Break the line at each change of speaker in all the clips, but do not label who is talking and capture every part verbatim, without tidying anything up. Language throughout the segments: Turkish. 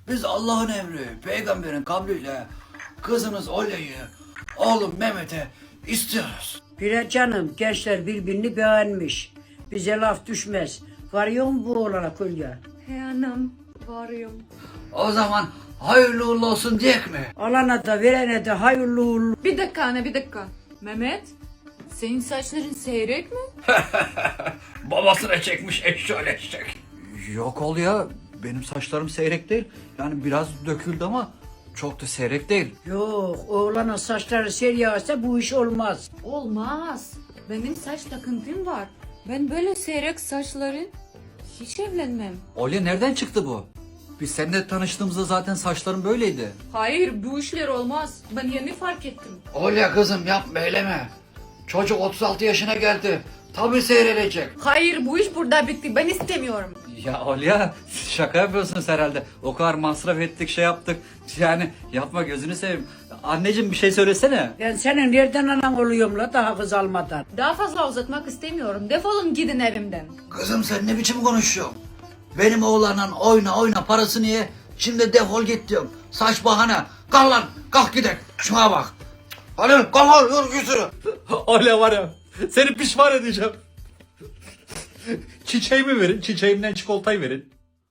Biz Allah'ın emri, peygamberin kavliyle kızınız Olya'yı, oğlum Mehmet'e istiyoruz.
Bire canım, gençler birbirini beğenmiş. Bize laf düşmez. Varıyor mu bu oğlana Kulya?
He anam, varıyorum.
O zaman hayırlı uğurlu olsun diyek mi?
Alana da verene de hayırlı uğurlu.
Bir dakika anne, bir dakika. Mehmet, senin saçların seyrek mi?
Babasına çekmiş eşşoğlu eşek. Yok ol ya, benim saçlarım seyrek değil. Yani biraz döküldü ama çok da seyrek değil.
Yok, oğlanın saçları seryağsa bu iş olmaz.
Olmaz. Benim saç takıntım var. Ben böyle seyrek saçların hiç evlenmem.
Olya nereden çıktı bu? Biz seninle tanıştığımızda zaten saçların böyleydi.
Hayır, bu işler olmaz. Ben yeni fark ettim.
Olya kızım yapma eyleme. Çocuk otuz altı yaşına geldi. Tabii seyredecek.
Hayır, bu iş burada bitti. Ben istemiyorum.
Ya Olya şaka yapıyorsunuz herhalde. O kadar masraf ettik şey yaptık. Yani yapma gözünü seveyim. Anneciğim bir şey söylesene.
Ben senin nereden anan oluyorum la daha kız almadan?
Daha fazla uzatmak istemiyorum. Defolun gidin evimden.
Kızım sen ne biçim konuşuyorsun? Benim oğlanla oyna oyna parasını ye. Şimdi defol git diyorum. Saç bahane. Kalk lan kalk gidelim. Şuna bak. Hadi kalk yürü yürü.
Olya var ya, seni pişman edeceğim. Çiçeğimi verin, çiçeğimden çikolatayı verin.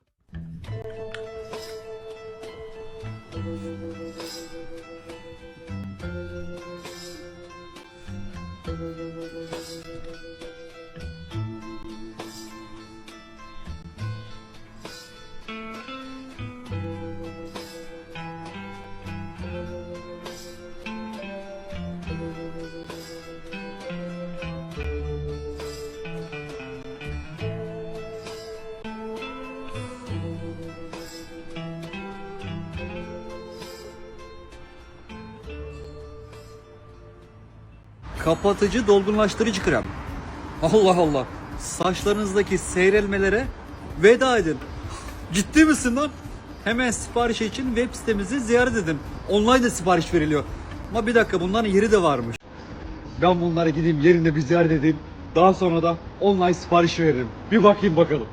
Kapatıcı dolgunlaştırıcı krem. Allah Allah. Saçlarınızdaki seyrelmelere veda edin. Ciddi misin lan? Hemen sipariş için web sitemizi ziyaret edin. Online de sipariş veriliyor. Ama bir dakika, bunların yeri de varmış. Ben bunlara gideyim, yerinde bir ziyaret edeyim. Daha sonra da online sipariş veririm. Bir bakayım bakalım.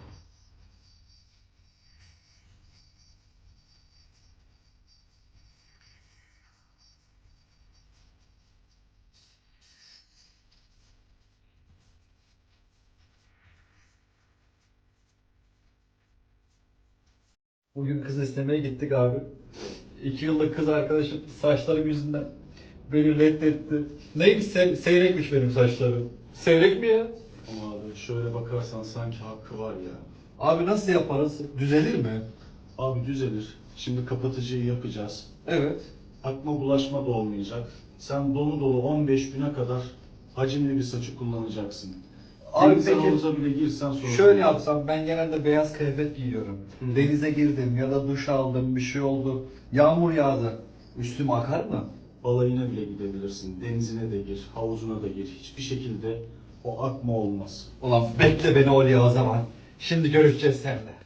Bugün kız istemeye gittik abi. İki yıllık kız arkadaşım saçlarım yüzünden beni reddetti. Neymiş se seyrekmiş benim saçlarım. Seyrek mi ya?
Ama abi şöyle bakarsan sanki hakkı var ya.
Abi nasıl yaparız? Düzelir mi?
Abi düzelir. Şimdi kapatıcıyı yapacağız.
Evet.
Akma bulaşma da olmayacak. Sen dolu dolu on beş güne kadar hacimli bir saçı kullanacaksın.
Abi
Denize
peki,
havuza bile girsen sorun
şöyle
olmaz.
yapsam, ben genelde beyaz kıyafet giyiyorum.
Hı.
Denize girdim ya da duş aldım, bir şey oldu. Yağmur yağdı. Üstüm akar mı?
Balayına bile gidebilirsin. Denizine de gir, havuzuna da gir. Hiçbir şekilde o akma olmaz.
Ulan bekle beni oraya o zaman. Şimdi görüşeceğiz seninle.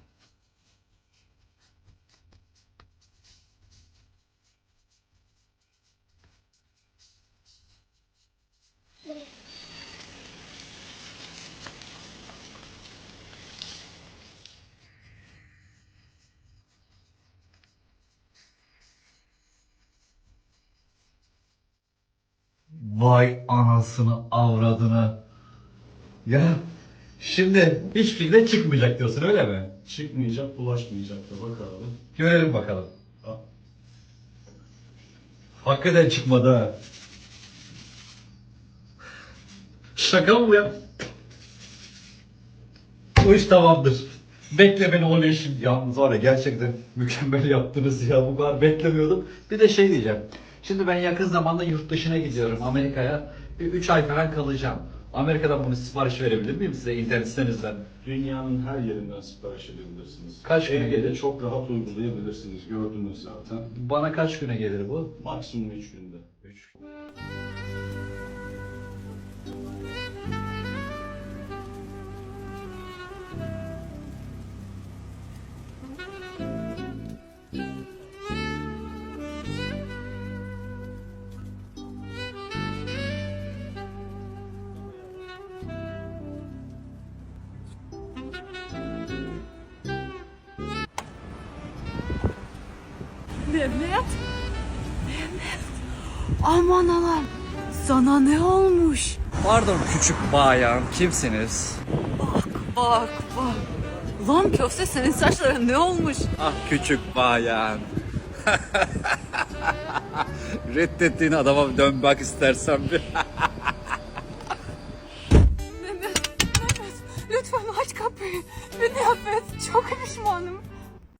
Vay anasını avradını. Ya şimdi hiçbiri de çıkmayacak diyorsun, öyle mi?
Çıkmayacak, bulaşmayacak da bak abi.
Görelim bakalım.
Al.
Hakikaten çıkmadı ha. Şaka mı bu ya? Bu iş tamamdır. Bekle beni o işim. Yalnız var ya, gerçekten mükemmel yaptınız ya. Bu kadar beklemiyordum. Bir de şey diyeceğim. Şimdi ben yakın zamanda yurt dışına gidiyorum, Amerika'ya. Bir üç ay falan kalacağım. Amerika'dan bunu sipariş verebilir miyim size internet sitenizden?
Dünyanın her yerinden sipariş edebilirsiniz.
Kaç güne
Evde de
gelir?
çok rahat uygulayabilirsiniz. Gördünüz zaten.
Bana kaç güne gelir bu?
Maksimum üç günde.
üç.
Mehmet. Mehmet. Aman Allah'ım. Sana ne olmuş?
Pardon küçük bayan, kimsiniz?
Bak bak bak. Lan köfte senin saçların ne olmuş?
Ah küçük bayan. Reddettiğin adama dön bak istersen bir.
Mehmet, Mehmet lütfen aç kapıyı. Beni affet. Çok pişmanım.